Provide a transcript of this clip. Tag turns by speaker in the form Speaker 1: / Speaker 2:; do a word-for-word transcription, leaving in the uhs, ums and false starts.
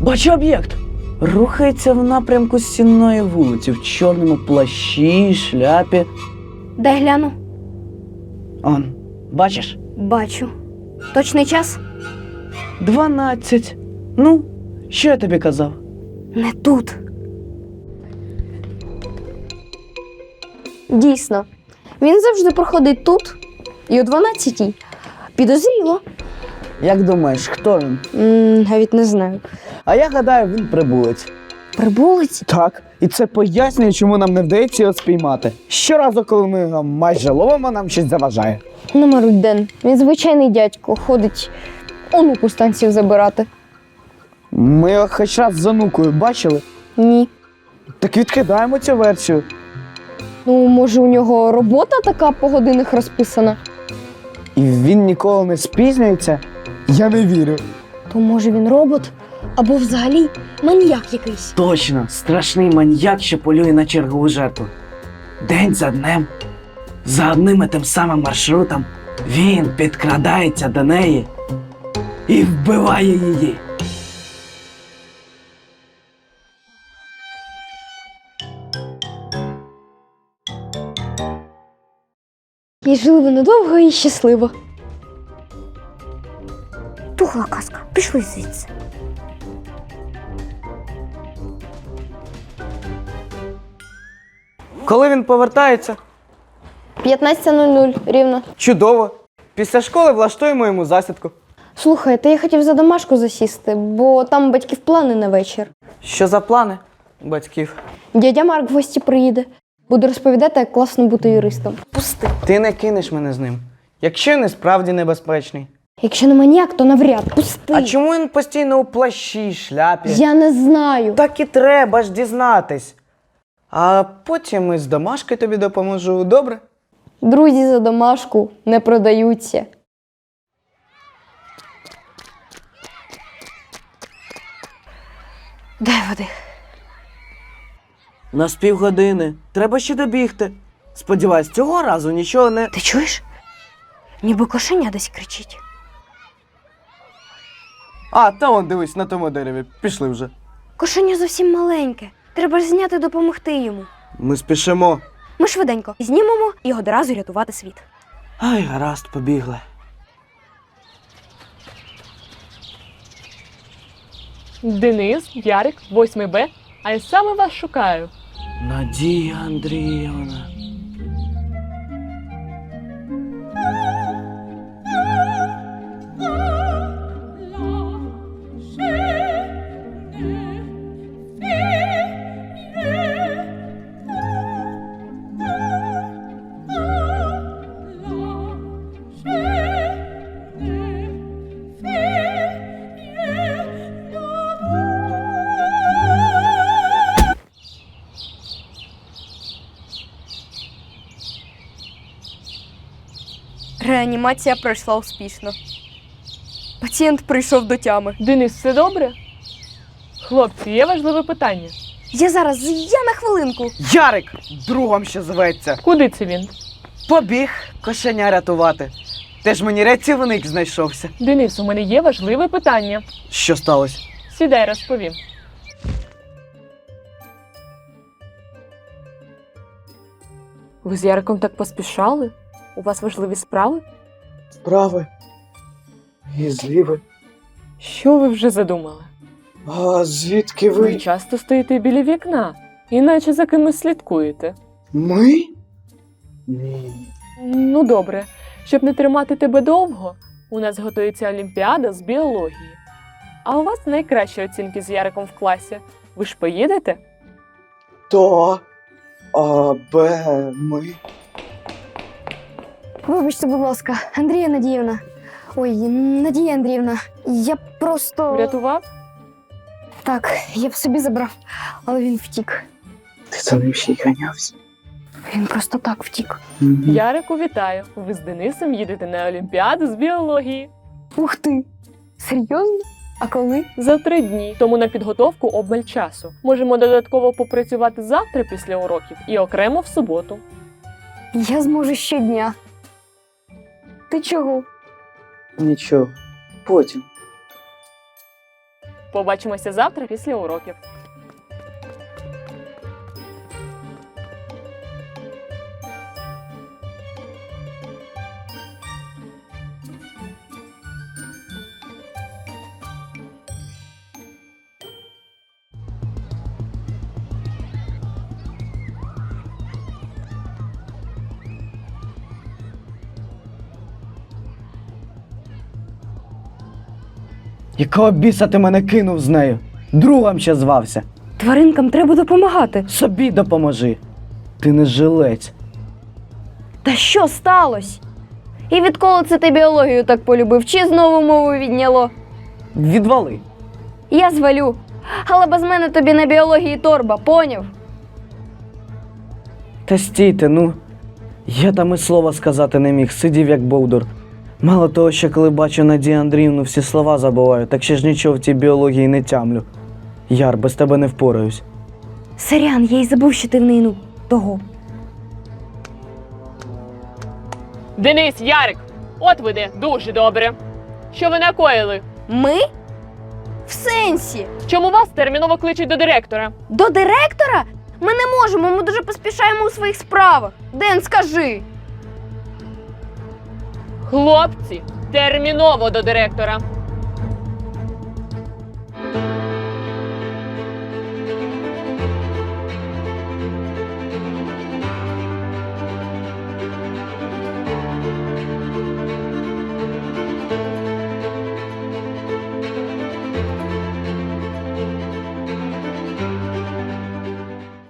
Speaker 1: Бачу об'єкт. Рухається в напрямку Сінної вулиці в чорному плащі, шляпі.
Speaker 2: Дай гляну.
Speaker 1: Он, бачиш?
Speaker 2: Бачу. Точний час?
Speaker 1: Дванадцять. Ну, що я тобі казав?
Speaker 2: Не тут. Дійсно. Він завжди проходить тут. І о дванадцятій. Підозріло.
Speaker 1: Як думаєш, хто він?
Speaker 2: М, навіть не знаю.
Speaker 1: А я гадаю, він прибулець.
Speaker 2: Прибулець?
Speaker 1: Так, і це пояснює, чому нам не вдається його спіймати. Щоразу, коли ми його майже ловимо, нам щось заважає.
Speaker 2: Не марудь, Ден. Він звичайний дядько. Ходить онуку з танців забирати.
Speaker 1: Ми його хоч раз з онукою бачили.
Speaker 2: Ні.
Speaker 1: Так відкидаємо цю версію.
Speaker 2: Ну, може, у нього робота така по годинах розписана?
Speaker 1: І він ніколи не спізнюється? Я не вірю.
Speaker 2: То може він робот? Або взагалі маніяк якийсь.
Speaker 1: Точно, страшний маньяк, що полює на чергову жертву. День за днем, за одним і тим самим маршрутом, він підкрадається до неї і вбиває її.
Speaker 2: І жили вони довго і щасливо. Тухла казка. Пішли звідси.
Speaker 1: Коли він повертається?
Speaker 2: п'ятнадцята нуль нуль рівно.
Speaker 1: Чудово. Після школи влаштуємо йому засідку.
Speaker 2: Слухай, та я хотів за домашку засісти, бо там у батьків плани на вечір.
Speaker 1: Що за плани батьків?
Speaker 2: Дядя Марк в гості приїде. Буде розповідати, як класно бути юристом. Пусти.
Speaker 1: Ти не кинеш мене з ним, якщо він і справді небезпечний.
Speaker 2: Якщо не маніяк, то навряд. Пусти.
Speaker 1: А чому він постійно у плащі, шляпі?
Speaker 2: Я не знаю.
Speaker 1: Так і треба ж дізнатись. А потім із домашки тобі допоможу, добре?
Speaker 2: Друзі за домашку не продаються. Дай води.
Speaker 1: На з півгодини. Треба ще добігти. Сподіваюсь, цього разу нічого не...
Speaker 2: Ти чуєш? Ніби кошеня десь кричить.
Speaker 1: А, та он, дивись, на тому дереві. Пішли вже.
Speaker 2: Кошеня зовсім маленьке. Треба ж зняти, допомогти йому.
Speaker 1: Ми спішимо.
Speaker 2: Ми швиденько знімемо і одразу рятувати світ.
Speaker 1: Ай, гаразд, побігли.
Speaker 3: Денис, Ярик, восьмий Б, а я саме вас шукаю.
Speaker 1: Надія Андріївна.
Speaker 2: Реанімація пройшла успішно. Пацієнт прийшов до тями.
Speaker 3: Денис, все добре? Хлопці, є важливе питання.
Speaker 2: Я зараз, я на хвилинку.
Speaker 1: Ярик! Другом ще зветься.
Speaker 3: Куди це він?
Speaker 1: Побіг кошеня рятувати. Теж мені рятівник знайшовся.
Speaker 3: Денис, у мене є важливе питання.
Speaker 1: Що сталося?
Speaker 3: Сідай, розповім. Ви з Яриком так поспішали? У вас важливі справи?
Speaker 1: Справи. І зліви.
Speaker 3: Що ви вже задумали?
Speaker 1: А звідки
Speaker 3: Ви часто стоїте біля вікна, іначе за кимось слідкуєте.
Speaker 1: Ми? Ні.
Speaker 3: Ну добре, щоб не тримати тебе довго, у нас готується Олімпіада з біології. А у вас найкращі оцінки з Яриком в класі. Ви ж поїдете?
Speaker 1: То, а, Б, ми.
Speaker 2: Вибачте, будь ласка, Андрія Надіївна. Ой, Надія Андріївна, я просто...
Speaker 3: Врятував?
Speaker 2: Так, я б собі забрав, але він втік.
Speaker 1: Ти за ним ще й ганявся.
Speaker 2: Він просто так втік.
Speaker 3: Ярику, вітаю! Ви з Денисом їдете на Олімпіаду з біології.
Speaker 2: Ух ти! Серйозно? А коли?
Speaker 3: За три дні, тому на підготовку обмаль часу. Можемо додатково попрацювати завтра після уроків і окремо в суботу.
Speaker 2: Я зможу щодня. Ти чого?
Speaker 1: Нічого. Потім.
Speaker 3: Побачимося завтра після уроків.
Speaker 1: Якого біса ти мене кинув з нею? Другом ще звався.
Speaker 2: Тваринкам треба допомагати.
Speaker 1: Собі допоможи. Ти не жилець.
Speaker 2: Та що сталося? І відколи це ти біологію так полюбив? Чи знову мову відняло?
Speaker 1: Відвали.
Speaker 2: Я звалю. Але без мене тобі на біології торба, поняв?
Speaker 1: Та стійте, ну. Я там і слова сказати не міг, сидів як бовдур. Мало того, що коли бачу Надію Андріївну, всі слова забуваю, так ще ж нічого в тій біології не тямлю. Яр, без тебе не впораюсь.
Speaker 2: Сорян, я й забув, що ти в неї, ну, того.
Speaker 3: Денис, Ярик, от ви де, дуже добре. Що ви накоїли?
Speaker 2: Ми? В сенсі?
Speaker 3: Чому вас терміново кличуть до директора?
Speaker 2: До директора? Ми не можемо, ми дуже поспішаємо у своїх справах. Ден, скажи.
Speaker 3: Хлопці, терміново до директора.